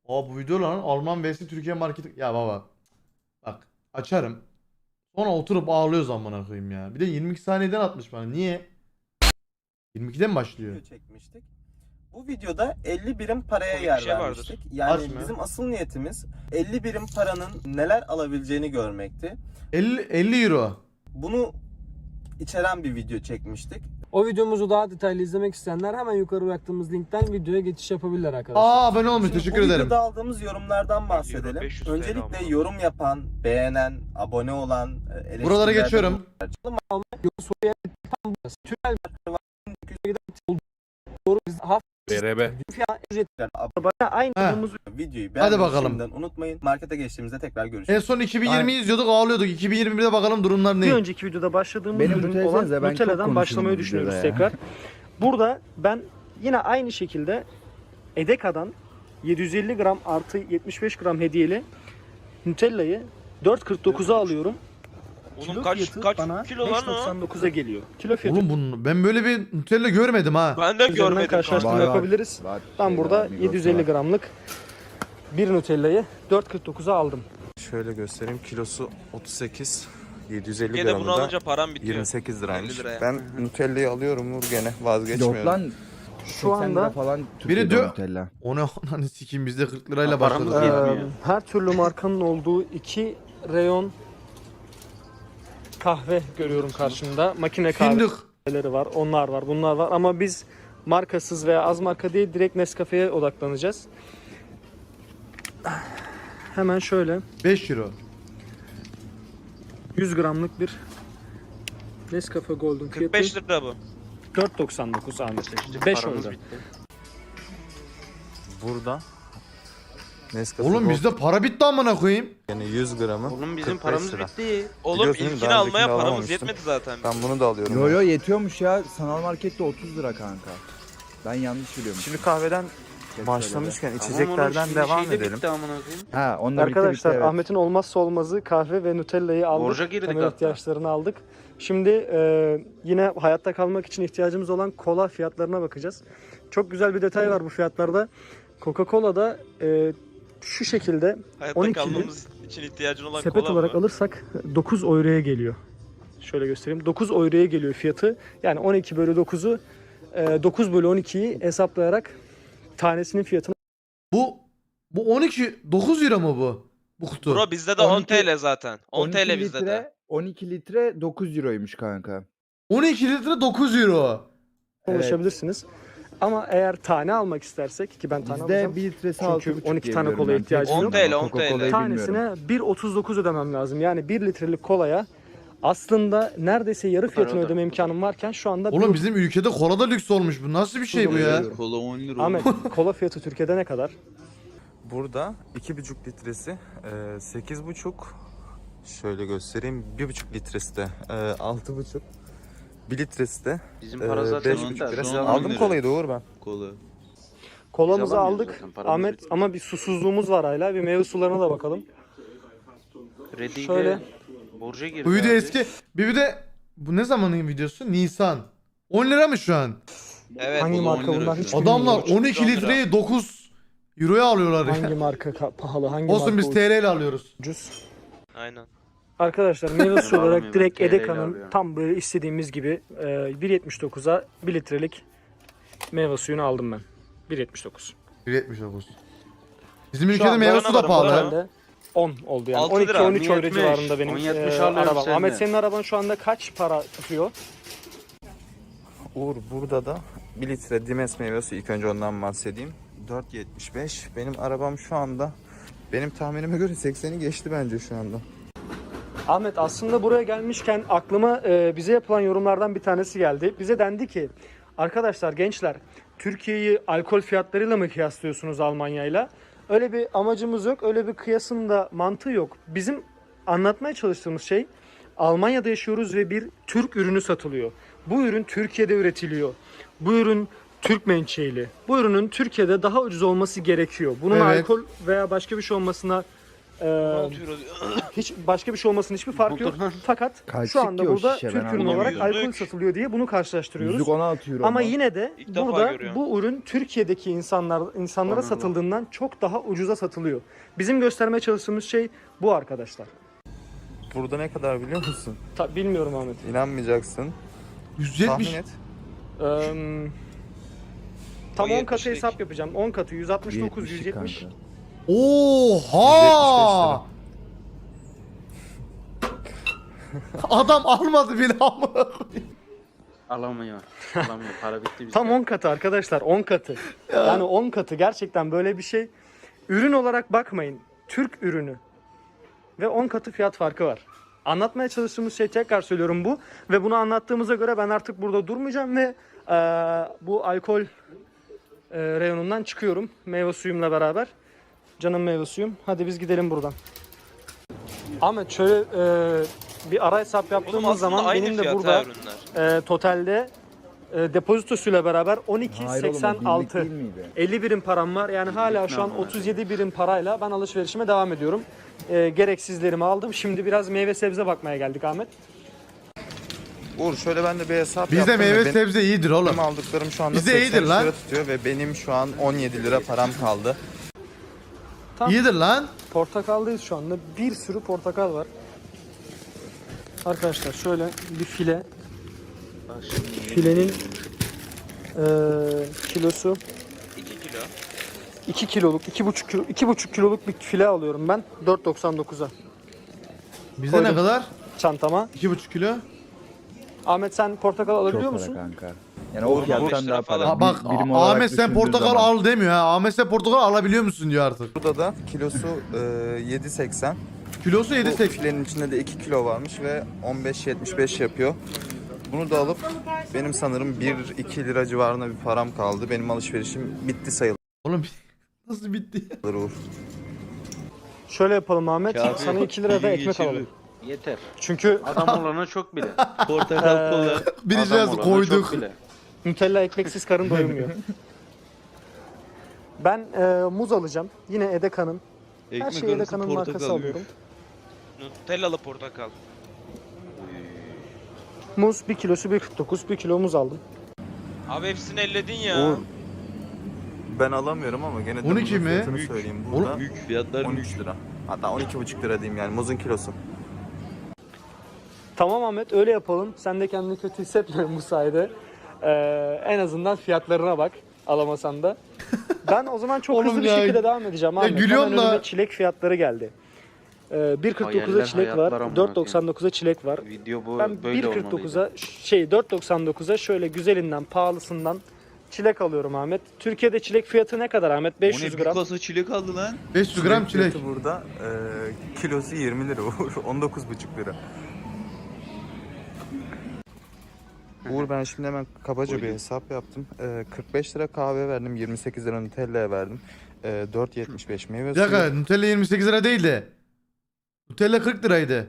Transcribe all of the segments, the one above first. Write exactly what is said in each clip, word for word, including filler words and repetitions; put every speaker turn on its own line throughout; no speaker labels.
Aa bu video lan Alman vs Türkiye marketi. Ya baba. Bak açarım. Sonra oturup ağlıyoruz amına koyayım ya. Bir de yirmi iki saniyeden atmış bana. Niye? yirmi ikiden mi başlıyor?
Video çekmiştik. Bu videoda elli birim paraya
Komik
yer
bir şey vardır.
vermiştik. Yani
Aç mı?
bizim asıl niyetimiz elli birim paranın neler alabileceğini görmekti.
elli, elli euro.
Bunu içeren bir video çekmiştik.
O videomuzu daha detaylı izlemek isteyenler hemen yukarı bıraktığımız linkten videoya geçiş yapabilirler arkadaşlar.
Aa abone olmuş.
Şimdi
Teşekkür
bu
ederim.
videoda aldığımız yorumlardan bahsedelim.
beş yüz T L
Öncelikle
ama.
yorum yapan, beğenen, abone olan, eleştirilerde
Buralara geçiyorum.
bulunan-
Soruya tam burası. Tünel doğru biz hafif
B R B.
fiyat ücret
aynı
He.
durumumuz videoyu
Hadi
beğenmeyi
bakalım.
şimdiden unutmayın. Markete geçtiğimizde tekrar
En
görüşürüz.
son iki bin yirmi izliyorduk ağlıyorduk. iki bin yirmi birde bakalım durumlar
Bir
ne?
önceki videoda başladığımız
Benim
ürün
Nutella'ya
olan
ben çok
Nutella'dan
konuşurum
başlamayı
bu
düşünüyoruz
videoda ya.
tekrar. Burada ben yine aynı şekilde Edeka'dan yedi yüz elli gram artı yetmiş beş gram hediyeli Nutella'yı dört kırk dokuza alıyorum.
Onun kaç
fiyatı
kaç
bana
kilo
beş
lan o?
doksan dokuza geliyor. Kilo fiyatı
Oğlum bunu ben böyle bir Nutella görmedim ha.
Ben de
üzerinden
görmedim.
karşılaştırma
Var, var.
yapabiliriz.
Var,
Ben
şey
burada
var, Migros
yedi yüz elli
var.
gramlık bir Nutella'yı dört kırk dokuza aldım.
Şöyle göstereyim. Kilosu otuz sekiz. yedi yüz elli
Türkiye'de bunu
gramı da
alınca param bitiyor.
yirmi sekiz liraymış.
elli liraya.
Ben Nutella'yı alıyorum Nur gene vazgeçmiyorum.
Yok lan.
Şu
seksen lira
anda
falan Türkiye'de
diyor-
Nutella.
O ne ananı sikeyim biz de kırk lirayla
Ha, paramız
başladık.
yetmiyor.
ya.
Ee, her türlü markanın olduğu iki reyon kahve görüyorum karşımda. Makine
Fındık.
kahveleri var, onlar var, bunlar var ama biz markasız veya az marka değil direkt Nescafe'ye odaklanacağız. Hemen şöyle
beş euro.
yüz gramlık bir Nescafe Golden
kırk
fiyatı
beş lira bu.
dört doksan dokuz Ahmet. beş
Paramız
oldu.
bitti.
Burada Nescafe
Oğlum
Gold
bizde para bitti amına koyayım.
yani yüz gramı
Oğlum bizim
kırk beş
paramız
lira.
bitti. Oğlum
Biliyorsun değil mi?
ilkini
Daha
almaya
öncekini
paramız
alamamıştım.
yetmedi zaten.
Ben bunu da alıyorum.
Yo yo yetiyormuş ya. Sanal markette otuz lira kanka. Ben yanlış biliyorum.
Şimdi kahveden başlamışken içeceklerden devam edelim.
Ha onlar bitti,
Arkadaşlar
bitti, evet.
Ahmet'in olmazsa olmazı kahve ve Nutella'yı aldık.
Borca girdik
Temel
hatta.
ihtiyaçlarını aldık. Şimdi e, yine hayatta kalmak için ihtiyacımız olan kola fiyatlarına bakacağız. Çok güzel bir detay var bu fiyatlarda. Coca-Cola'da e, şu şekilde
Hayatta
on ikili
kalmamız için ihtiyacın olan
sepet
kola
olarak
mı?
alırsak dokuz euroya geliyor. Şöyle göstereyim. dokuz euroya geliyor fiyatı. Yani on iki bölü dokuzu e, dokuz bölü on ikiyi hesaplayarak tanesinin fiyatını
Bu bu on iki dokuz euro mu bu? Bu kutu.
Bro bizde de
on
on
iki
T L zaten. on
on iki
T L bizde
litre,
de.
on iki litre dokuz euroymuş kanka.
on iki litre dokuz euro.
Evet.
ulaşabilirsiniz. Ama eğer tane almak istersek ki ben tane alacağım.
Bizde bir litresi
Çünkü
altı buçuk
on iki
diye
tane
biliyorum
kolaya
ben.
ihtiyacım
Tek
yok.
kullanıyorum.
on T L, on T L.
Coca-Cola'yı bilmiyorum.
Tanesine bir otuz dokuz ödemem lazım. Yani bir litrelik kolaya aslında neredeyse yarı fiyatını
Arada.
ödeme imkanım varken şu anda
Oğlum
bir-
bizim ülkede kola da lüks olmuş. Bu nasıl bir şey bu ya?
Kola on lira.
Ahmet kola fiyatı Türkiye'de ne kadar?
Burada iki buçuk litresi e, sekiz buçuk. Şöyle göstereyim. bir buçuk litresi de e, altı buçuk. bir litresi de
Bizim
e,
para zaten
beş
on
buçuk
T L.
lira.
Şu an
Aldım
on lira.
kolayı doğru ben.
Kolamızı
Biz alamıyoruz
aldık
zaten, paramız
Ahmet
bitti.
ama bir susuzluğumuz var hala. Bir meyve sularına da bakalım.
Krediyle
Şöyle.
borca girdi.
Bu video
abi.
eski. Bir de bu ne zamanın videosu? Nisan. on lira mı şu an?
Evet.
Hangi
bu da
marka
on lira
bunlar
şu
hiç
an.
Adamlar
bilmiyorum.
on iki litreyi dokuz euroya alıyorlar ya.
Hangi marka ka- pahalı, hangi
Olsun
marka
biz T L ile alıyoruz.
ucuz?
Aynen.
Arkadaşlar meyve suyu olarak
alamıyorum,
direkt
T L ile
Edeka'nın
alıyorum.
tam böyle istediğimiz gibi e, bir yetmiş dokuza bir litrelik meyve suyunu aldım ben. bir yetmiş dokuz.
bir yetmiş dokuz. Bizim
Şu
ülkede
an
meyve
bana
su da
varım,
pahalı.
bana.
ha.
Herhalde on oldu yani.
altı
on iki
lira,
on üç euro
yetmiş.
civarında benim
on
e,
yetmiş alıyorum
arabam.
senden.
Ahmet senin araban şu anda kaç para tutuyor?
Uğur burada da bir litre Dimes meyve suyu, ilk önce ondan bahsedeyim. dört yetmiş beş. Benim arabam şu anda benim tahminime göre sekseni geçti bence şu anda.
Ahmet aslında buraya gelmişken aklıma e, bize yapılan yorumlardan bir tanesi geldi. Bize dendi ki arkadaşlar gençler Türkiye'yi alkol fiyatlarıyla mı kıyaslıyorsunuz Almanya'yla? Öyle bir amacımız yok. Öyle bir kıyasın da mantığı yok. Bizim anlatmaya çalıştığımız şey Almanya'da yaşıyoruz ve bir Türk ürünü satılıyor. Bu ürün Türkiye'de üretiliyor. Bu ürün Türk menşeili. Bu ürünün Türkiye'de daha ucuz olması gerekiyor. Bunun
Evet.
alkol veya başka bir şey olmasına Ee,
altı euro.
hiç başka bir şey olmasının hiçbir farkı yok. Fakat
Kaçlık
şu anda
ki o
burada
şişe, ben
Türk ürünü
anlamadım.
olarak alkol
Yüzlük.
satılıyor diye bunu karşılaştırıyoruz.
Yüzlük on altı euro.
Ama
mu?
yine de
İlk defa
burada
görüyorum.
bu ürün Türkiye'deki insanlar insanlara satıldığından çok daha ucuza satılıyor. Bizim göstermeye çalıştığımız şey bu arkadaşlar.
Burada ne kadar biliyor musun?
Ta, bilmiyorum Ahmet.
İnanmayacaksın.
yüz yetmiş.
Tahmin et.
Ee, tam
O
on katı
yetmişlik.
hesap yapacağım. on katı yüz altmış dokuz,
yetmişlik
yüz yetmiş.
kanka.
Oha! Adam almadı bile amına koyayım.
Alamıyor. Alamıyor. Para bitti bizde.
Tam on katı arkadaşlar, on katı. Yani on katı gerçekten böyle bir şey. Ürün olarak bakmayın. Türk ürünü. Ve on katı fiyat farkı var. Anlatmaya çalıştığımız şey, tekrar söylüyorum, bu. Ve bunu anlattığımıza göre ben artık burada durmayacağım ve e, bu alkol e, reyonundan çıkıyorum. Meyve suyumla beraber. Canım meyve suyum. Hadi biz gidelim buradan. Ahmet şöyle e, bir ara hesap
Oğlum
yaptığımız
aslında
zaman
aynı
benim de
fiyat
burada
ha ürünler.
e, totalde e, depozitosuyla beraber on iki
Hayır oğlum, o
seksen
birlik
altı
değil miydi?
elli birim param var. Yani hala şu an otuz yedi birim parayla ben alışverişime devam ediyorum. E, gereksizlerimi aldım. Şimdi biraz meyve sebze bakmaya geldik Ahmet.
Uğur şöyle ben de bir hesap
Bizde
yaptım. ve
meyve
benim-
sebze iyidir oğlum.
Benim aldıklarım şu anda
Bizde
seksen
iyidir lan.
lira tutuyor ve benim şu an on yedi lira param kaldı.
İyidir lan.
Portakaldayız şu anda. Bir sürü portakal var. Arkadaşlar şöyle bir file. Filenin e, kilosu
iki kilo.
iki kiloluk, iki buçuk kilo, iki buçuk kiloluk bir file alıyorum ben. dört doksan dokuza
Bizde ne
Koydum.
kadar?
çantama.
iki buçuk kilo.
Ahmet sen portakal alabiliyor
Çok
musun?
para kanka. Yani o
Vurma beş
fiyattan
lira
daha para.
falan.
Ha, bak
Bir- birim olarak
Ahmet sen
düşündüğün
portakal
zaman.
al demiyor ha. Ahmet sen portakal alabiliyor musun diyor artık.
Burada da kilosu e, yedi seksen.
Kilosu yedi
Bu
seksen.
filenin içinde de iki kilo varmış ve on beş yetmiş beş yapıyor. Bunu da alıp benim sanırım bir iki lira civarında bir param kaldı. Benim alışverişim bitti sayılır
Oğlum nasıl bitti?
Uğur.
Şöyle yapalım Ahmet.
Kafi,
Sana iki lira da
iyi
ekmek
geçirir.
alalım.
Yeter.
Çünkü
Adam olana çok bile. Portakal kola.
Bir
adam
cihaz
olana
koyduk.
çok bile.
Nutella ekmeksiz karın doymuyor. Ben e, muz alacağım. Yine Edeka'nın. Her şeyi Edeka'nın markası alıyorum.
Nutellalı portakal.
Muz bir kilosu bir kırk dokuz. Bir kilo muz aldım.
Abi hepsini elledin ya.
Uğur. Ben alamıyorum ama gene de
on iki
bunun
mi?
fiyatını
Büyük.
söyleyeyim.
Oğlum,
Burada
Büyük fiyatlar
on
büyük.
üç lira. Hatta on iki buçuk lira diyeyim yani muzun kilosu.
Tamam Ahmet öyle yapalım. Sen de kendini kötü hissetme bu sayede. Ee, en azından fiyatlarına bak. Alamasan da. Ben o zaman çok
Oğlum
hızlı bir
ya.
şekilde devam edeceğim
Ya
Ahmet.
gülüyorum
Hemen
da-
önüme çilek fiyatları geldi. Ee, bir kırk dokuza
Hayaller,
çilek
hayatlar
var.
amına
dört doksan dokuza çilek var.
Video bu
Ben
böyle
bir kırk dokuza şey dört doksan dokuza şöyle güzelinden pahalısından çilek alıyorum Ahmet. Türkiye'de çilek fiyatı ne kadar Ahmet? beş yüz gram.
kasa çilek aldı lan.
beş yüz gram çilek.
Fiyatı burada e, kilosu yirmi lira Uğur. on dokuz buçuk lira. Uğur ben şimdi hemen kabaca bir hesap yaptım. E, kırk beş lira kahve verdim, yirmi sekiz lira Nutella'ya verdim. E, dört yetmiş beş meyve
Bir
suyu.
dakika Nutella yirmi sekiz lira değildi. Nutella kırk liraydı.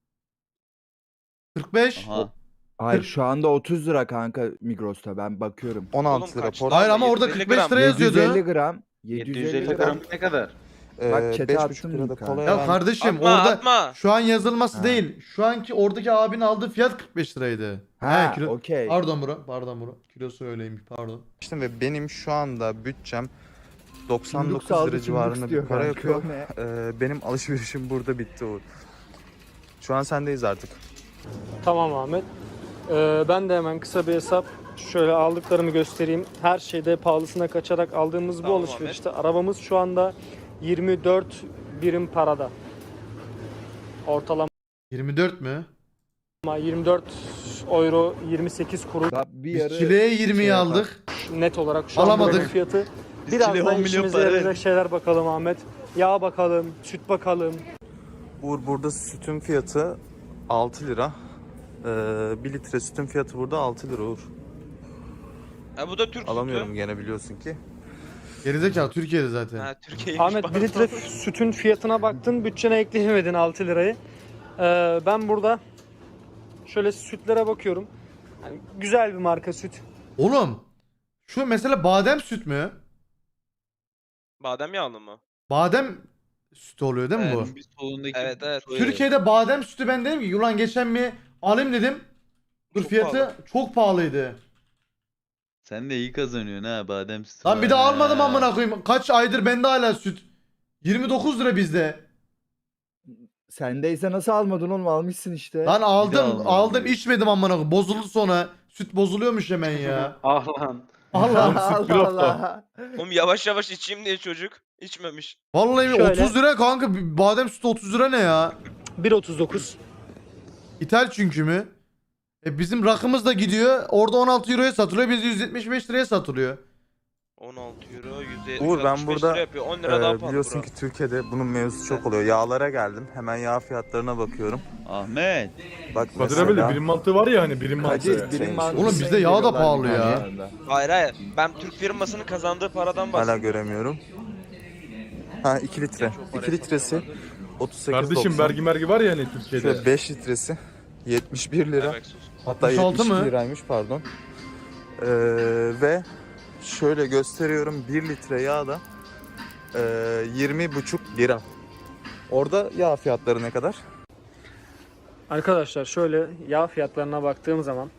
kırk beş.
Aha.
Hayır şu anda otuz lira kanka Migros'ta ben bakıyorum.
on
Oğlum
altı lira
kaç?
portakal.
Hayır ama orada
yedi yüz elli
kırk beş
gram.
lira yazıyordu.
yedi yüz elli gram.
yedi
yedi
yüz elli
gram.
gram ne kadar?
E,
Bak chat'e
beş
attım
buçuk lira da
linki
kola
abi.
Ya
verdim.
kardeşim
Atma
orada
atma.
şu an yazılması
Ha.
değil. Şu anki oradaki abinin aldığı fiyat kırk beş liraydı.
Ha
kilo-
okey.
Pardon bro. Pardon bro. Kilosu öyleymiş pardon.
İşte ve benim şu anda bütçem doksan
Çimdik
dokuz
saldı,
lira
çimdik
civarında bir
diyor
para
kanka,
yapıyor.
o ne?
E, benim alışverişim burada bitti Uğur. Şu an sendeyiz artık.
Tamam Ahmet. Ee, ben de hemen kısa bir hesap şöyle aldıklarımı göstereyim. Her şeyde pahalısına kaçarak aldığımız bu
Tamam
alışverişte arabamız şu anda yirmi dört birim parada. Ortalama
yirmi dört mü?
yirmi dört euro yirmi sekiz kuruş
Daha bir
Biz
yarı
çileğe yirmiyi
şey
aldık.
net olarak şu an
Alamadık.
buranın fiyatı.
Biz
Biraz
çileğe
da
on milyon
işimize
para
yarayacak
verdik.
şeyler bakalım Ahmet. Yağ bakalım, süt bakalım.
Uğur burada sütün fiyatı altı lira. Ee, bir litre sütün fiyatı burada altı lira Uğur.
Ha bu da Türk
Alamıyorum
sütü.
gene biliyorsun ki.
Gerizekalı Türkiye'de zaten.
Ha Türkiye'ymiş.
Ahmet bir
pardon.
litre sütün fiyatına baktın, bütçene ekleyemedin altı lirayı. Ee, ben burada şöyle sütlere bakıyorum. Yani güzel bir marka süt.
Oğlum şu mesela badem süt mü?
Badem yağlı mı?
Badem sütü oluyor değil mi bu?
Evet.
Bir solundaki
Evet, evet.
soya.
Türkiye'de badem sütü ben dedim ki ulan geçen bir alayım dedim. Dur
Çok
fiyatı
pahalı.
çok pahalıydı.
Sen de iyi kazanıyorsun ha badem sütü.
Lan bir de
var.
almadım
Ha.
amına koyayım. Kaç aydır bende hala süt. yirmi dokuz lira bizde.
Sendeyse nasıl almadın oğlum, almışsın işte.
Lan aldım
almadım
aldım
diyor.
içmedim amına koyayım. Bozuldu sonra. Süt bozuluyormuş hemen ya.
Ah lan.
Allah.
Allah Allah.
Oğlum yavaş yavaş içeyim diye çocuk içmemiş.
Vallahi
Şöyle.
otuz lira kanka. Badem sütü otuz lira ne ya?
bir otuz dokuz.
İthal çünkü mü? E bizim rakımız da gidiyor. Orada on altı euroya satılıyor. Bizde yüz yetmiş beş liraya satılıyor.
on altı euro,
Uğur, ben
yüz altmış beş
burada,
lira yapıyor. on lira
Ee,
daha pahalı
biliyorsun
bro.
ki Türkiye'de bunun mevzusu çok oluyor. Yağlara geldim. Hemen yağ fiyatlarına bakıyorum.
Ahmet.
Bak
Kadir abi de
mesela
birim mantığı var ya hani birim mantığı.
Kadir birim mantığı.
Oğlum bizde yağ da pahalı ya.
Hayır hayır. Ben Türk firmasının kazandığı paradan
hala
bahsediyorum.
göremiyorum. Ha iki litre. iki litresi otuz sekiz
Kardeşim
doksan.
vergi mergi var ya hani Türkiye'de.
Şöyle beş litresi yetmiş bir lira.
Evet, sus.
Hatta
altmış altı
yetmiş
mı?
liraymış pardon. Ee, ve şöyle gösteriyorum, bir litre yağ da e, yirmi buçuk lira. Orada yağ fiyatları ne kadar?
Arkadaşlar şöyle yağ fiyatlarına baktığım zaman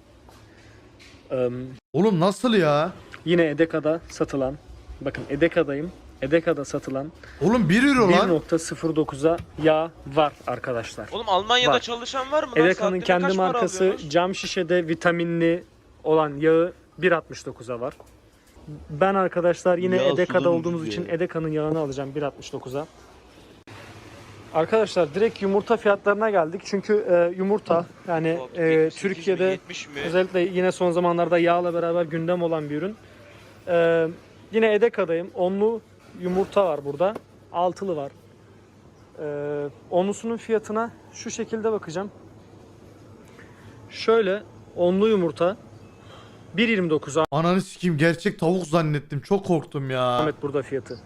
ım,
Oğlum nasıl ya?
yine Edeka'da satılan, bakın Edeka'dayım, Edeka'da satılan
Oğlum bir euro
bir
lan.
nokta sıfır dokuza yağ var arkadaşlar.
Oğlum Almanya'da
Var.
çalışan var mı lan?
Edeka'nın
Saatine
kendi
kaç para
markası
alıyorlar?
cam şişede vitaminli olan yağı bir altmış dokuza var. Ben arkadaşlar yine
Yağ
Edeka'da
sudan
olduğumuz
ucuz
için
ya.
Edeka'nın yağını alacağım bir altmış dokuza. Arkadaşlar direkt yumurta fiyatlarına geldik. Çünkü e, yumurta yani
Hop,
e,
yetmiş sekiz mi,
Türkiye'de
yetmiş mi?
özellikle yine son zamanlarda yağla beraber gündem olan bir ürün. E, yine Edeka'dayım. Onlu yumurta var burada. Altılı var. E, onlusunun fiyatına şu şekilde bakacağım. Şöyle onlu yumurta bir yirmi dokuz.
Ananı sikeyim gerçek tavuk zannettim. Çok korktum ya.
Ahmet burada fiyatı.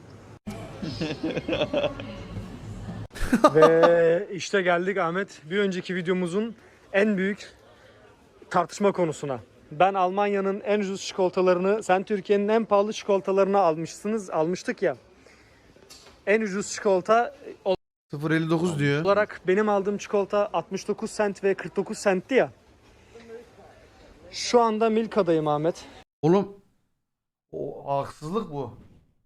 Ve işte geldik Ahmet bir önceki videomuzun en büyük tartışma konusuna. Ben Almanya'nın en ucuz çikolatalarını, sen Türkiye'nin en pahalı çikolatalarını almışsınız, almıştık ya. En ucuz çikolata
sıfır elli dokuz diyor.
olarak benim aldığım çikolata altmış dokuz sent ve kırk dokuz sentti ya. Şu anda Milka'dayım Ahmet.
Oğlum o haksızlık bu.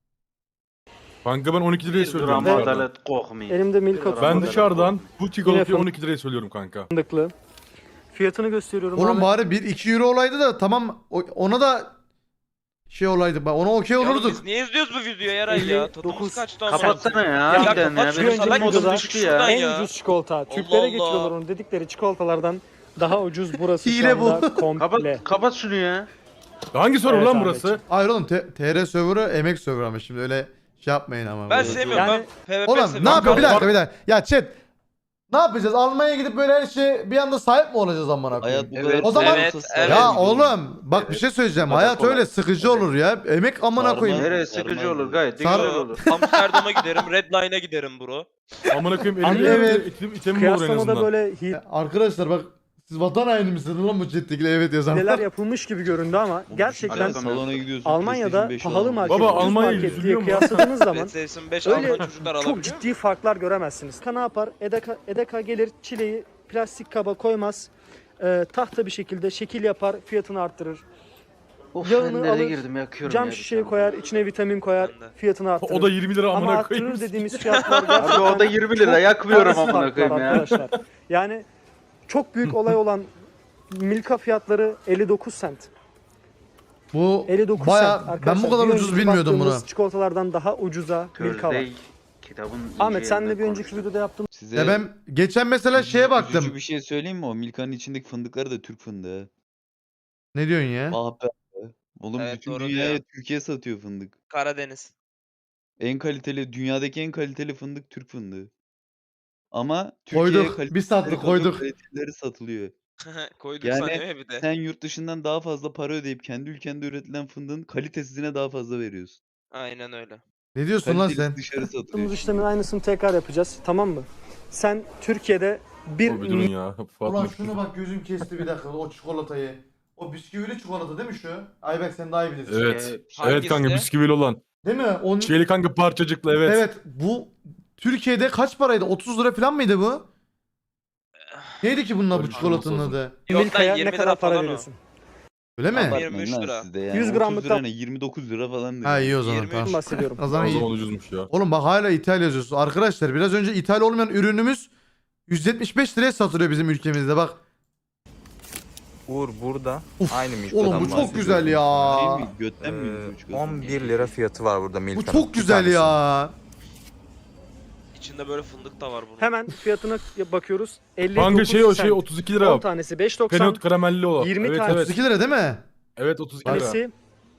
Kanka ben on iki liraya
Bir
söylüyorum.
gram
dışarıdan.
adalet kokmayın.
Elimde Milka
Ben
Ben
fındıklı.
dışarıdan bu çikolatayı
Yine
on iki liraya söylüyorum kanka.
Fiyatını gösteriyorum
Oğlum
Ahmet.
bari bir iki euro olaydı da tamam o- ona da şey olaydı. Bak ona okey
Ya oğlum
olurduk.
biz niye izliyoruz bu videoyu Eray ya?
elli dokuz.
Tadımız kaçtı ama.
Kapatsana ya.
Ya
harbiden
kapat
ya.
şunu,
Benim
salak
salak modum
mısın?
düştü
Şuradan
ya.
En
ya.
ucuz çikolata.
Allah
Türklere
Allah.
getiriyorlar onu dedikleri çikolatalardan daha ucuz burası
Hile
şu anda
bu.
komple.
Kapat, kapat şunu ya.
Hangi soru
Evet
lan
Ahmet.
burası?
Hayır oğlum T- TR server'ı emek server ama şimdi öyle şey yapmayın ama.
Ben
böyle.
sevmiyorum
Yani-
ben P V P
Oğlum
seviyorum.
ne yapıyor bir
Bak-
dakika bir dakika. Ya chat ne yapacağız? Almanya'ya gidip böyle her şey bir anda sahip mi olacağız amına koyayım?
Hayat bu
Evet,
kadar
o zaman-
evet,
olmasa
evet.
Ya
sarmaz.
oğlum bak bir şey söyleyeceğim.
Bu kadar
Hayat
kolay.
öyle sıkıcı olur ya. Emek amına
Sarmaz.
koyayım.
Nereye sıkıcı olur gayet de
Sar-
güzel olur.
Amsterdam'a giderim, Redline'a giderim bro.
Amına koyayım
Anne,
elimde
evet.
item, itemim olur en
Kıyaslamada
azından.
böyle hi-
Arkadaşlar bak siz vatan haini misiniz lan bu chat'tekiler evet yazan.
hileler yapılmış gibi göründü ama gerçekten
Alakam yok.
salona gidiyorsun.
Almanya'da
PlayStation beş
pahalı
al.
market,
Baba,
ucuz
Almanya'yı
market diye
üzülüyor mu?
kıyasladığınız zaman
PlayStation beş
öyle
alan çocuklar
çok
alabiliyor.
ciddi farklar göremezsiniz. Edeka ne yapar? Edeka, Edeka gelir çileği plastik kaba koymaz. Ee, tahta bir şekilde şekil yapar, fiyatını arttırır.
Of
Yağını
ben nereye
alır,
girdim yakıyorum
Cam
ya bir
şişeye
tane.
koyar, içine vitamin koyar,
Ben de.
fiyatını arttırır.
O da yirmi lira
Ama
amına koyayım.
arttırır dediğimiz fiyatlar gerçekten
Abi o da yirmi lira yakmıyorum
az
amına
farklar
koyayım ya.
arkadaşlar. Yani çok büyük olay olan Milka fiyatları elli dokuz sent.
Bu
elli dokuz
baya
sent
ben
arkadaşlar.
bu kadar
Bir
ucuz
önceki
bilmiyordum bunu.
baktığımız çikolatalardan daha ucuza Milka var.
Thursday kitabın
Ahmet
ince
senle bir
yerinden
önceki
konuştuk.
videoda yaptığımız
Size
Ya ben geçen mesela şeye
üzücü
baktım.
bir şey söyleyeyim mi? O Milka'nın içindeki fındıkları da Türk fındığı.
Ne diyorsun ya?
Ah be. Oğlum
Evet,
bütün
doğru
dünyaya
diyor.
Türkiye satıyor fındık.
Karadeniz.
En kaliteli, dünyadaki en kaliteli fındık Türk fındığı. Ama Türkiye'ye
Koyduk.
kaliteli
Bir sattık koyduk.
kaliteleri satılıyor.
Koyduk
Yani
sanıyor ya bir de.
Sen yurt dışından daha fazla para ödeyip kendi ülkende üretilen fındığın kalitesizine daha fazla veriyorsun.
Aynen öyle.
Ne diyorsun lan
Kaliteli
sen?
dışarı satılıyor.
yaptığımız işlemin aynısını tekrar yapacağız. Tamam mı? Sen Türkiye'de bir
Dur bir durun ya. Fuat
Ulan
Mutlu.
şunu bak gözüm kesti bir dakika o çikolatayı. O bisküvili çikolata değil mi şu? Ayberk sen daha iyi bilirsin.
Evet.
Ee,
Evet
hangisi?
kanka bisküvili olan.
Değil mi? Onun...
Şeyli kanka parçacıklı evet.
Evet bu Türkiye'de kaç paraydı? otuz lira falan mıydı bu? Neydi ki bununla bu
Öyle bir şey
çikolatanın
olmasa
adı?
Yok lan,
Milka'ya ne
yirmi
kadar
lira
para
falan o.
veriyorsun?
Öyle mi?
Abartma.
Abartmayın
yirmi üç
lan
lira.
siz de yani.
yüz
otuz
gramlıktan-
lira ne? yirmi dokuz lira falandır.
Ha iyi o zaman
yirmi üç.
tamam.
Bahsediyorum.
O zaman
O
iyi.
zaman ucuzmuş ya.
Oğlum bak hala ithal yazıyorsun. Arkadaşlar biraz önce ithal olmayan ürünümüz yüz yetmiş beş liraya satılıyor bizim ülkemizde bak.
Uğur burada
Uf,
aynı Milka'dan
Oğlum bu çok
bahsediyorum.
güzel ya.
Şey mi? Götten mi
Ee,
yürüdü bu çikolata?
on bir lira fiyatı var burada
Bu
Milka'nın.
çok
bir
güzel
tanesi.
ya.
İçinde böyle fındık da var bunun.
Hemen fiyatına bakıyoruz. elli
Kanka
dokuz
şey o şey
sent.
otuz iki lira.
on tanesi beş doksan.
Penot karamelli olan.
yirmi
evet,
tane.
evet.
otuz iki lira değil mi?
Evet otuz iki lira.
Tanesi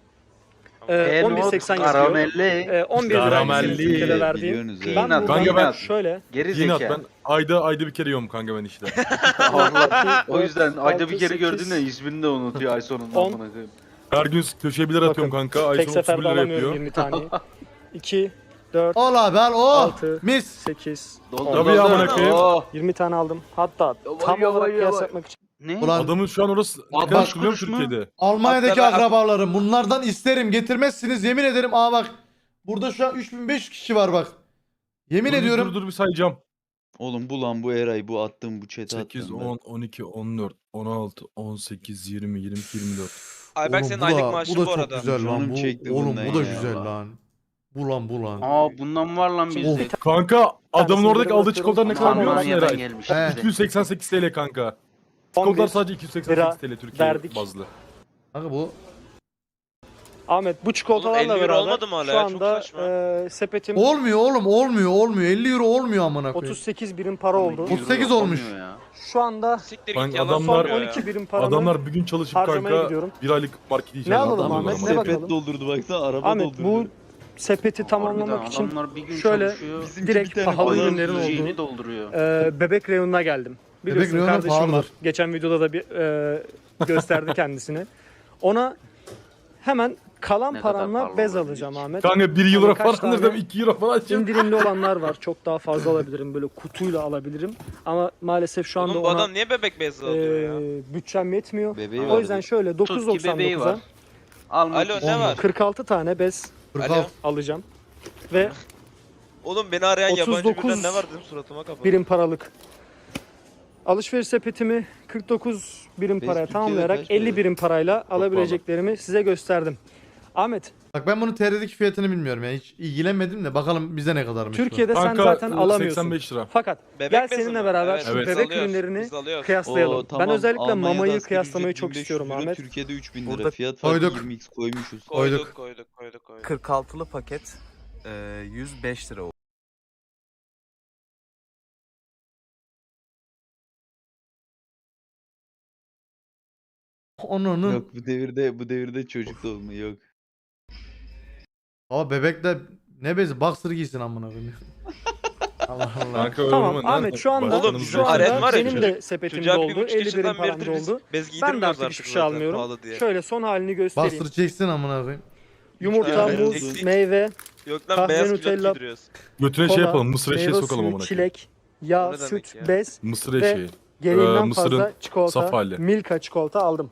e, on bir seksen yazıyor.
Karamelli.
E, on bir lira
Karamelli.
senin Türkiye'de verdiğin.
Biliyorsunuz
Ben
ya.
buradan
Kanka ben-
şöyle
Geri
Yine at
zeka.
ben ayda ayda bir kere yiyorum kanka ben işte.
Allah. O
dört,
yüzden ayda
altı,
bir kere
sekiz,
gördüğünde ismini de unutuyor ay sonunda.
on.
amına koyayım.
Her gün köşeye bir lira atıyorum kanka. Ay
tek
sonu otuz
seferde
bir lira
alamıyorum
yapıyor.
yirmi taneyi. iki, dört,
Al abi al o.
altı,
Mis.
sekiz,
Doldur,
on.
Tabii ya,
doldur.
amına koyayım.
Oh.
yirmi tane aldım. Hatta
Vay
tam
ya,
olarak
vay ya,
kıyas
vay.
yapmak için.
Ne?
Ulan
Adamın şu an orası ne
Altmış
kadar biliyor
kuruş
musun
mu?
Türkiye'de?
Almanya'daki
Hatta ben-
akrabalarım bunlardan isterim getirmezsiniz yemin ederim. Aa bak burada şu an üç bin beş yüz kişi var bak. Yemin
Dur, dur,
ediyorum.
Dur dur bir sayacağım.
Oğlum bu lan bu Eray bu attığım bu chat'e
sekiz,
attığım ben.
on, on iki, on dört, on altı, on sekiz, yirmi, yirmi iki, yirmi dört.
Ayberk
Oğlum
senin
bu
aylık
da-
maaşın
bu da
bu
çok
arada.
güzel lan.
Canım
Bu,
çekti
oğlum
bundan
bu da
ya.
güzel lan. Bu lan bu lan.
Aa bundan var lan bizde.
Of.
Kanka adamın
tanesini
oradaki
böyle
aldığı
bakıyorum.
çikolatalar ne kadar
Tamam,
biliyor musun
Almanya'dan
Eray?
gelmiş.
He.
iki yüz seksen sekiz TL kanka.
on
Çikolatalar
bir
sadece iki yüz seksen sekiz TL Türkiye
verdik.
bazlı.
Kanka bu
Ahmet bu çikolatalarla
Oğlum elli euro
beraber
olmadı mı hala
şu
ya? Çok
anda
saçma.
e, sepetim
olmuyor oğlum olmuyor olmuyor. elli euro olmuyor amına koyayım.
otuz sekiz birim para oldu.
otuz sekiz olmuş.
Olmuyor ya.
Şu anda
Siktir
Kanka
git yalan
adamlar-
son
söylüyor
on
ya.
iki birim paramı
Adamlar bir gün çalışıp
harcamaya
kanka
gidiyorum.
bir aylık market
Ne
yiyeceğiz.
alalım
Adam
Ahmet, ne
sepet
bakalım?
doldurdu baksana araba
Ahmet
doldurdu.
bu sepeti tamamlamak
Harbiden
için
adamlar bir gün
şöyle
çalışıyor.
Bizimki
direkt
bir tane
pahalı
falan
ürünlerin
yiyeceğini
olduğu
dolduruyor.
e, bebek reyonuna geldim. Biliyorsun
reyonu
kardeşim var.
pahalıdır.
Geçen videoda da bir e, gösterdi kendisini. Ona hemen kalan
Ne kadar
paramla
pahalı
bez
olabilir
alacağım
ki?
Ahmet.
Kanka bir euro
Hani kaç
falan alırdım
tane
iki euro falan açıyorum.
İndirimli olanlar var. Çok daha fazla alabilirim. Böyle kutuyla alabilirim. Ama maalesef şu anda
Oğlum bu
ona
adam niye bebek bezi alıyor ya?
e, bütçem yetmiyor.
Bebeği
O
var
yüzden
bir.
şöyle dokuz
Tut ki bebeği
doksan dokuza
var. Almak
Alo,
istiyor.
ne var?
kırk altı tane bez
kırk
Alo.
altı.
alacağım. Ve
Oğlum beni arayan
otuz
yabancı
dokuz
birden ne var dedim suratıma kapadı.
birim paralık alışveriş sepetimi kırk dokuz birim
Bez
paraya
Türkiye'de
tamamlayarak
kaç para?
elli birim parayla alabileceklerimi size gösterdim. Ahmet,
Bak ben bunun T R'deki fiyatını bilmiyorum ya. Hiç ilgilenmedim de bakalım bize ne kadarmış bu.
Türkiye'de sen
Kanka
zaten alamıyorsun.
seksen beş lira.
Fakat
Bebek
gel
bezi
seninle
mi?
beraber
Evet,
şu
Evet.
biz
bebek
alıyoruz,
ürünlerini
biz alıyoruz.
kıyaslayalım.
Oo, tamam.
Ben özellikle
Almanya'da
mamayı
asgari
kıyaslamayı
ücret
çok
bin beş yüz
istiyorum
euro,
Ahmet.
Türkiye'de üç bin lira.
Burada
Fiyat farkı
koyduk.
yirmi x koymuşuz.
Koyduk.
Koyduk koyduk koyduk koyduk.
kırk altılı paket e, yüz beş lira oldu.
Onun
Yok bu devirde bu devirde çocuk da olmuyor yok.
Ama bebekler ne bezi boxer giysin amına koyayım. Allah Allah.
Kanka öyle
Tamam
olma,
Ahmet
nerede?
şu anda
Oğlum,
şu
Aren
anda
var ya,
benim
çocuk-
de sepetim
Çocuğa bir
doldu.
buçuk
elli birim
yaşından
param
beridir biz
doldu.
bez
Ben de
giydirmiyoruz
artık hiçbir
artık
şey
zaten
almıyorum.
pahalı diye.
Şöyle son halini göstereyim.
Boxer çeksin amına koyayım.
Yumurta,
Evet,
muz,
eksik.
meyve,
Yok lan
kahve,
beyaz
Nutella,
külot giydiriyoruz.
Götüne
kola,
şey yapalım mısır eşeği
meyve
sokalım
suyu,
amına koyayım.
çilek, yağ,
O ne demek
süt,
ya?
bez,
Mısır
ve
eşeği.
gereğinden
Ee, mısırın
fazla çikolata,
saf hali.
Milka çikolata aldım.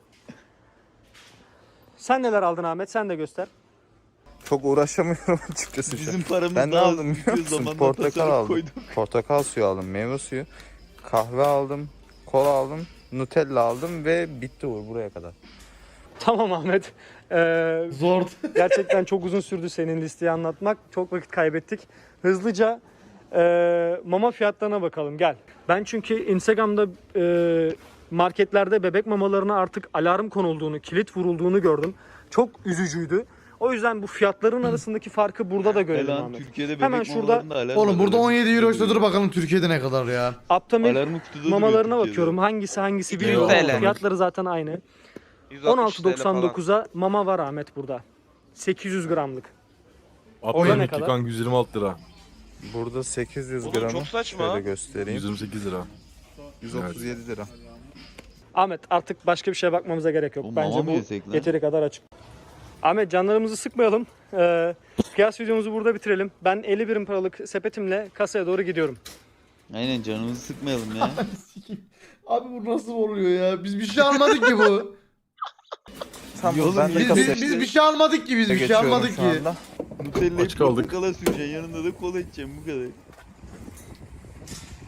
Sen neler aldın Ahmet? Sen de göster.
Çok uğraşamıyorum açıkçası şu an.
Bizim paramız
Ben ne
daha
aldım
az
biliyor
bitiyor,
musun?
zamanla
Portakal
tasarruf
aldım.
koyduk.
Portakal suyu aldım, meyve suyu, kahve aldım, kola aldım, Nutella aldım ve bitti Uğur buraya kadar.
Tamam Ahmet. Ee,
Zor.
gerçekten çok uzun sürdü senin listeyi anlatmak. Çok vakit kaybettik. Hızlıca e, mama fiyatlarına bakalım. Gel. Ben çünkü Instagram'da e, marketlerde bebek mamalarına artık alarm konulduğunu, kilit vurulduğunu gördüm. Çok üzücüydü. O yüzden bu fiyatların arasındaki farkı burada da görelim
Elan
Ahmet.
Türkiye'de bebek
Hemen şurada-
mamalarında alarm
Oğlum
var,
burada
alarm
on yedi euro
kutuda
işte dur
duruyor.
bakalım Türkiye'de ne kadar ya.
Aptamil
Alarmı kutuda duruyor
mamalarına
Türkiye'de.
bakıyorum. Hangisi hangisi
yüz
bilmiyorum.
T L.
Fiyatları zaten aynı.
yüz altmış
on altı
T L
doksan
falan.
dokuza mama var Ahmet burada. sekiz yüz gramlık. Orada
Orada
ne
ne
kadar?
kanka yüz yirmi altı lira.
Burada sekiz yüz
Oğlum
gramı
çok saçma.
şöyle göstereyim.
yüz yirmi sekiz lira.
yüz otuz yedi lira.
Ahmet artık başka bir şeye bakmamıza gerek yok.
O
Bence
mama mı
bu
yesek lan?
yeteri kadar açık. Ahmet canlarımızı sıkmayalım. Ee, kıyas videomuzu burada bitirelim. Ben elli birim paralık sepetimle kasaya doğru gidiyorum.
Aynen canımızı sıkmayalım ya.
Abi bu nasıl oluyor ya? Biz bir şey almadık ki bu.
Tamam
Yolun
ben de
Biz,
kasaya
biz, biz bir şey almadık ki biz bir şey
geçiyorum
almadık
şu
ki.
anda.
Nutella'yı
Aç kaldık.
portakala süreceksin yanında da kola içeceksin bu kadar.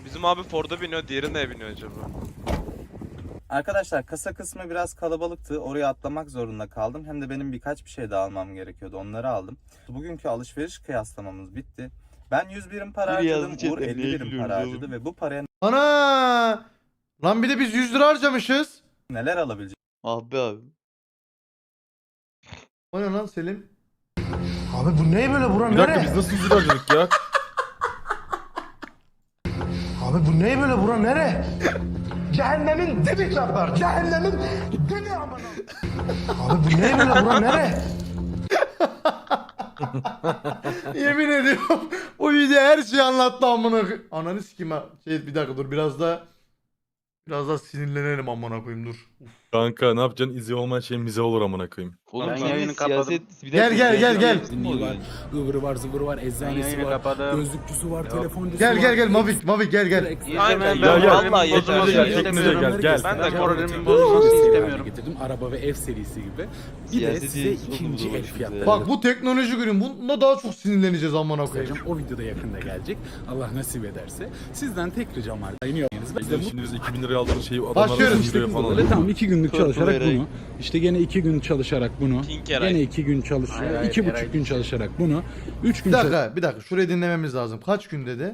Bizim abi Ford'a biniyor, diğeri neye biniyor acaba?
Arkadaşlar kasa kısmı biraz kalabalıktı. Oraya atlamak zorunda kaldım. Hem de benim birkaç bir şey daha almam gerekiyordu. Onları aldım. Bugünkü alışveriş kıyaslamamız bitti. Ben yüz birim para
Biri
harcadım.
yazdı
Uğur
chatten,
elli
niye
birim
gülüyoruz
para
oğlum?
harcadı ve bu paraya
Ana! Lan bir de biz yüz lira harcamışız.
neler alabileceğimizi
Ah be abi.
O ne lan Selim?
Abi bu ne böyle bura? Bir dakika biz nasıl yüz lira harcadık ya? Abi bu ne böyle bura nere? Cehennemin dibi çarpar. Cehennemin dibi amına. Abi bu ne böyle bura nere?
Yemin ediyorum o video her şeyi anlattı amına koy- Ananı sikeyim ha. Şey bir dakika dur biraz daha biraz daha sinirlenelim amına koyayım dur.
Kanka ne yapacaksın? İzi olmayan şey mize olur amına koyayım.
Oğlum
Ben
sen de
yayını kapadım.
siyaset... Bir
Gel,
dakika,
gel, gel, gel.
siyaset mi oluyor?
ıvırı var zıvırı var
Ben
eczanesi
yayını kapadım.
gözlükçüsü var telefoncusu
Gel gel gel Mavik Mavik gel gel.
Aynen
ben
ben
gel.
vallahi yeter
Bozulmasını
ya.
istemiyorum.
Gel, gel.
Ben de
moralimin bozulmasını istemiyorum.
Getirdim araba ve ev serisi gibi. Bir de
Siyaseti
size
sokulu
ikinci el
dolaşıyoruz
fiyatları.
ya.
Bak bu teknoloji ürün bunda daha çok sinirleneceğiz amına koyayım.
O videoda yakında gelecek. Allah nasip ederse. Sizden tek ricam var. Yayınlıyorsunuz. Biz de şimdi biz iki bin liraya aldığınız şeyi adamlar
Başlıyoruz.
yüz liraya falan
Böyle
alıyor.
tamam iki günlük
Korku
çalışarak
vererek.
bunu. İşte gene iki gün çalışarak bunu.
Pink Eray.
Gene iki gün çalış,
Hayır, hayır,
iki buçuk
Eray.
gün çalışarak bunu. Üç gün
Bir dakika bir dakika şurayı dinlememiz lazım. Kaç gün dedi?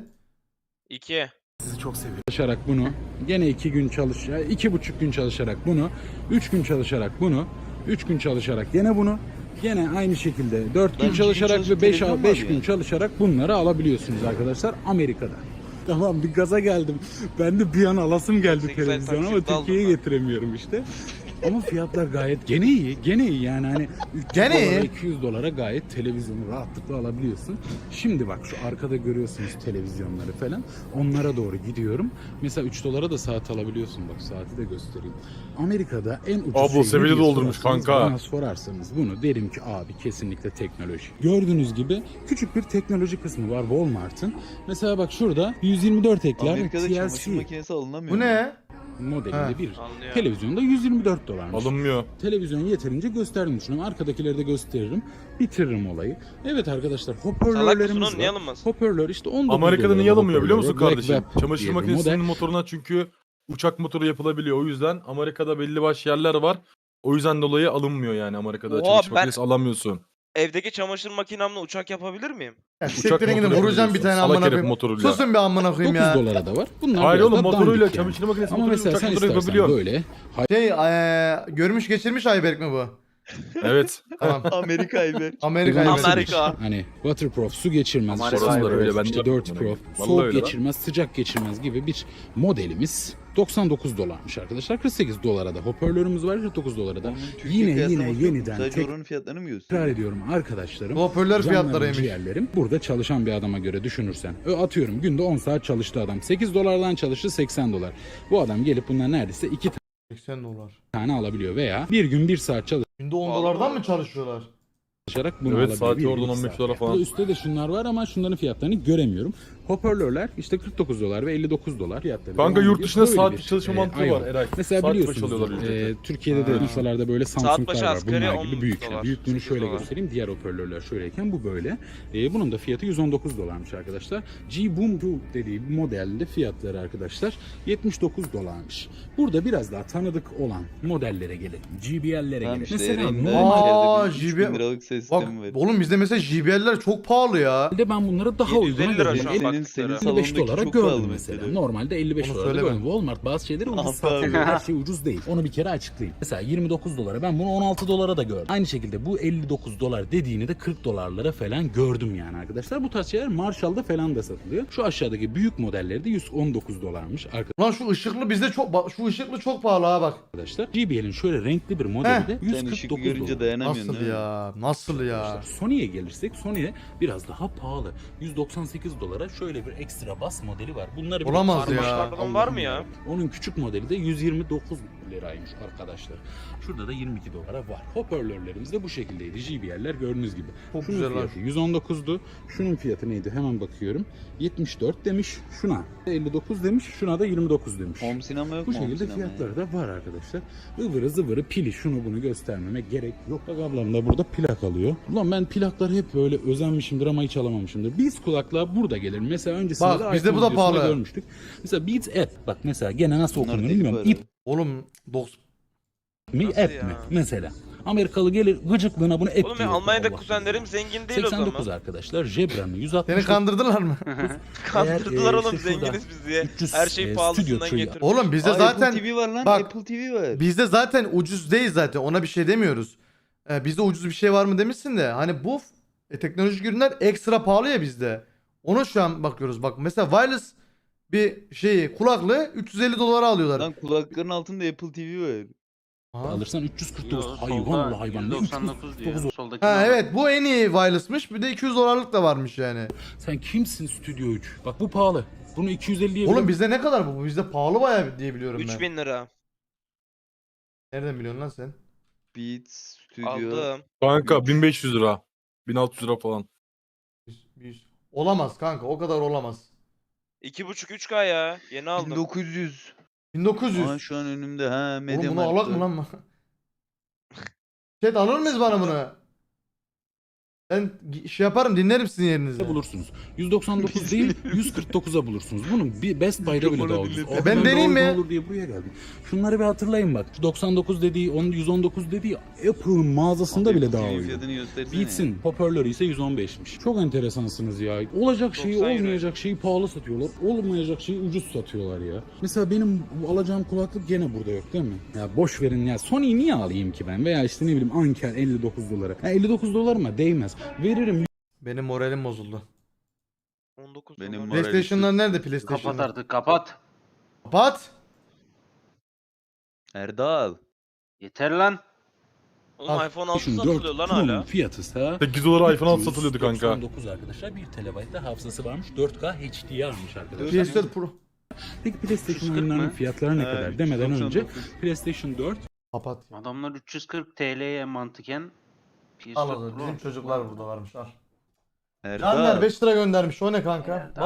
İki.
Sizi çok seviyorum.
çalışarak bunu. Gene iki gün çalış, ya iki buçuk gün çalışarak bunu. Üç gün çalışarak bunu. Üç gün çalışarak gene bunu. Gene aynı şekilde dört
Lan
gün
iki gün
çalışarak
çalışıp
ve beş
televizyon mu
beş
abi
gün
yani?
çalışarak bunları alabiliyorsunuz arkadaşlar Amerika'da. Tamam bir gaza geldim. Ben de bir an alasım geldi
sekiz ay
televizyon ama
taksitle aldım
Türkiye'ye
ben.
getiremiyorum işte. Ama fiyatlar gayet gene iyi. Gene iyi yani hani üç yüz
Gene
dolara,
iyi.
iki yüz dolara gayet televizyonu rahatlıkla alabiliyorsun. Şimdi bak şu arkada görüyorsunuz televizyonları falan. Onlara doğru gidiyorum. Mesela üç dolara da saat alabiliyorsun. Bak saati de göstereyim. Amerika'da en ucuz
Ablo
şey ne
seviyeli
diye
doldurmuş
sorarsanız,
kanka.
Bana sorarsanız bunu derim ki abi kesinlikle teknoloji. Gördüğünüz gibi küçük bir teknoloji kısmı var Walmart'ın. Mesela bak şurada yüz yirmi dört ekler
Amerika'da
T L
çamaşır
C
makinesi alınamıyor
Bu
mu?
ne?
modelinde
Ha.
bir.
Anlıyor.
Televizyonda yüz yirmi dört dolarmış.
Alınmıyor.
Televizyon yeterince gösterdim düşünüyorum. Arkadakileri de gösteririm. Bitiririm olayı. Evet arkadaşlar
Salak mısın
hoparlörlerimiz
oğlum, niye
var.
alınmasın?
Hoparlör işte on dokuz
Amerika'da
dolara
niye alınmıyor biliyor musun
hoparlörü.
kardeşim?
Black Web
Çamaşır
diye bir
makinesinin
model.
motoruna çünkü uçak motoru yapılabiliyor. O yüzden Amerika'da belli başlı yerler var. O yüzden dolayı alınmıyor yani Amerika'da.
Oha,
Çamaşır
ben-
makinesi alamıyorsun.
Evdeki çamaşır makinemle uçak yapabilir miyim?
Ya
Uçak
siktirin gidin
motoru
vuracağım bir
yapıyorsun.
tane
Salak
amına
herif
koyayım.
motoruyla.
Susun bir amına koyayım
dokuz
ya.
dolara da var. Bunlar
Hayır
biraz
oğlum
daha
motoruyla
dandik yani.
çamaşır makinesi
Ama
motoruyla
mesela
uçak
sen
motoru
istersen
yapabiliyorsun.
böyle
Şey eee, görmüş geçirmiş Ayberk mi bu?
Evet.
Tamam.
Amerika ayber.
Amerika
Güvenli
Ayberk.
Amerika.
hani waterproof su geçirmez,
Amerika
işte,
aynen
öyle, ben de
işte
yaptım
dirty
bunu.
proof,
Vallahi
soğuk
öyle lan.
geçirmez, sıcak geçirmez gibi bir modelimiz doksan dokuz dolarmış arkadaşlar. kırk sekiz dolara da hoparlörümüz var, kırk dokuz dolara da.
Onun Türkiye
Yine yine
kıyaslaması yok mu?
yeniden
Sadece
tek-
oranın fiyatlarını mı
Tekrar
gösteriyor?
ediyorum arkadaşlarım.
Bu hoparlör
Canlarım,
fiyatlarıymış.
ciğerlerim. Burada çalışan bir adama göre düşünürsen. Ö, Atıyorum günde on saat çalıştı adam. sekiz dolardan çalıştı seksen dolar. Bu adam gelip bundan neredeyse iki
seksen dolar.
tane alabiliyor veya bir gün bir saat
Günde on
Vallahi.
dolardan mı çalışıyorlar?
çalışarak bunu
Evet,
alabiliyor.
saati
Bir gün
oradan
iki
on beş
saat
dolara
yani.
falan.
Burada üstte de şunlar var ama şunların fiyatlarını göremiyorum. Hoparlörler işte kırk dokuz dolar ve elli dokuz dolar fiyatları.
Kanka
devam
yurt
ediyor.
dışında
Böyle
saatlik
bir,
çalışma
e,
mantığı
ay
var Eray.
Mesela
Saat başı
biliyorsunuz
alıyorlar ücreti.
e, Türkiye'de de
Ha.
masalarda böyle
Saat
Samsung'lar
başı
var.
asgari
Bunlar
on
gibi büyükler.
dolar,
Büyüklüğünü
sekiz
şöyle
dolar.
göstereyim. Diğer hoparlörler şöyleyken bu böyle. E, bunun da fiyatı yüz on dokuz dolarmış arkadaşlar. G-Boom iki dediği bir modelde fiyatları arkadaşlar yetmiş dokuz dolarmış. Burada biraz daha tanıdık olan modellere gelelim. G B L'lere
Tamam
gelelim.
işte
Mesela
Eren'de
Aa,
içeride bir üç
J B
bin liralık ses
Bak
sistemi var.
oğlum bizde mesela J B L'ler çok pahalı ya.
Normalde ben bunları daha
yedi yüz elli
uyguna
lira
gördüm.
şu an
Senin,
baktıkları.
senin
elli beş
salondaki
dolara
çok
gördüm
pahalı
mesela.
mesela.
Normalde elli beş
Onu
dolara
söyleme.
gördüm. Walmart bazı şeyleri ucuz
Ah be
satıyor.
abi.
Her şey ucuz değil. Onu bir kere açıklayayım. Mesela yirmi dokuz dolara ben bunu on altı dolara da gördüm. Aynı şekilde bu elli dokuz dolar dediğini de kırk dolarlara falan gördüm yani arkadaşlar. Bu tarz şeyler Marshall'da falan da satılıyor. Şu aşağıdaki büyük modelleri de yüz on dokuz dolarmış
Lan şu ışıklı bizde çok bak şu ışıklı çok pahalı ha bak.
arkadaşlar. J B L'in şöyle renkli bir modeli de
Sen
yüz kırk
ışık
dokuz
görünce
dolar.
dayanamıyorsun
Nasıl
değil mi?
ya? Nasıl ya?
Sony'ye gelirsek Sony'ye biraz daha pahalı. yüz doksan sekiz dolara şöyle bir ekstra bas modeli var. Bunları bir
Olamaz
karmaşa
ya.
Pardon, var mı ya?
Onun küçük modeli de yüz yirmi dokuz liraymış arkadaşlar. Şurada da yirmi iki dolara var. Hoparlörlerimiz de bu şekildeydi. J B L'ler gördüğünüz gibi.
Çok
Şunun
güzel lan.
fiyatı yüz on dokuzdu. Şunun fiyatı neydi? Hemen bakıyorum. yetmiş dört demiş. Şuna elli dokuz demiş. Şuna da yirmi dokuz demiş.
Home sinema yok
Bu
mu? Home
şekilde
sinema
fiyatları da var arkadaşlar. Ivırı zıvırı pili şunu bunu göstermeme gerek yok. Bak ablam da burada plak alıyor. Ulan ben plakları hep böyle özenmişimdir ama hiç alamamışımdır. Beats kulaklığa burada gelir. Mesela öncesinde
Bak,
de
bizde
iPhone
bu da
videosunda
pahalı.
görmüştük. Mesela Beats App. Bak mesela gene nasıl
Bunlar
okunuyor
deli
bilmiyorum.
para.
İp
Oğlum dokuz
mi
Nasıl
app
ya?
mi mesela. Amerikalı gelir gıcıklığına bunu app
Oğlum
diyor.
ya Almanya'da
Allah
kuzenlerim
Allah.
zengin değil o
seksen dokuz
zaman.
arkadaşlar. Jebra mı? yüz altmış.
seni kandırdılar mı?
Kandırdılar
Eğer, e,
oğlum
işte şurada
zenginiz biz diye.
üç yüz,
Her
e,
şey
stüdyo
pahalısından
tree-
getirmiş.
Oğlum bizde
Aa,
zaten
Apple T V var lan.
bak,
Apple T V var.
bizde zaten ucuz değil zaten. Ona bir şey demiyoruz. Ee, bizde ucuz bir şey var mı demişsin de hani bu e, teknolojik ürünler ekstra pahalı ya bizde. Ona şu an bakıyoruz. Bak mesela wireless bir şeyi kulaklığı üç yüz elli dolara alıyorlar.
Lan kulakların altında Apple T V var.
Aha.
alırsan üç yüz kırk dokuz.
Yo,
Hayvan
solda
oğlu hayvan. Ne
yüz doksan dokuz
üç yüz kırk
diyor.
dokuz?
Soldaki
Ha evet, bu en iyi wireless'mış. Bir de iki yüz dolarlık da varmış yani.
Sen kimsin Stüdyo üç? Bak bu pahalı. Bunu iki yüz elliye
Oğlum
bile-
bizde ne kadar bu? Bizde pahalı bayağı diye biliyorum ben.
üç bin lira.
Nereden biliyorsun lan sen?
Beats Studio.
Aldım.
Kanka bin beş yüz lira. bin altı yüz lira falan.
yüz, yüz. Olamaz kanka, o kadar olamaz.
iki buçuk üç K ya. Yeni aldım.
bin dokuz yüz.
bin dokuz yüz.
Aa şu an önümde ha.
Oğlum
Media
bunu alak mı lan mı? Chat alır mıyız bana bunu? Ben gi- şey yaparım, dinlerim sizin yerinizde.
bulursunuz. yüz doksan dokuz değil yüz kırk dokuza bulursunuz. Bunun bir Best Buy'da bile daha ucuz.
E ben deneyeyim mi?
Ne olur diye buraya geldim. Şunları bir hatırlayın bak. Şu doksan dokuz dediği, on- yüz on dokuz dediği Apple'ın mağazasında bile daha
T V
uygun.
fiyatını göstersene.
Beats'in hoparlörü ise yüz on beşmiş. Çok enteresansınız ya. Olacak şeyi
doksan euro.
olmayacak şeyi pahalı satıyorlar. Olmayacak şeyi ucuz satıyorlar ya. Mesela benim bu alacağım kulaklık gene burada yok değil mi? Ya boş verin ya. Sony'yi niye alayım ki ben? Veya işte ne bileyim Anker elli dokuz dolara. Ya elli dokuz dolar mı? Değmez. Veririm
Benim moralim bozuldu.
on dokuz
Benim
dolar.
moralim-
PlayStation'lar nerede
Kapat
PlayStation'lar?
artık kapat.
Kapat.
Erdal.
Yeter lan.
Oğlum
Al.
iPhone altı
PlayStation
satılıyor lan
Pro'nun
hala.
fiyatı ise
sekiz dolara iPhone altı satılıyordu kanka.
doksan dokuz arkadaşlar. bir terabayt da hafızası varmış. dört K H D almış arkadaşlar.
P S dört Pro.
Peki PlayStation
üç yüz kırk
oyunlarının
mı?
fiyatları ne
Ha,
kadar demeden
doksan
önce
dokuz.
PlayStation dört
Kapat.
Adamlar üç yüz kırk T L'ye mantıken P S
Al
dört
o zaman.
Pro.
Bizim çocuklar burada varmış. Al.
Erdal.
Caner beş lira göndermiş. O ne kanka?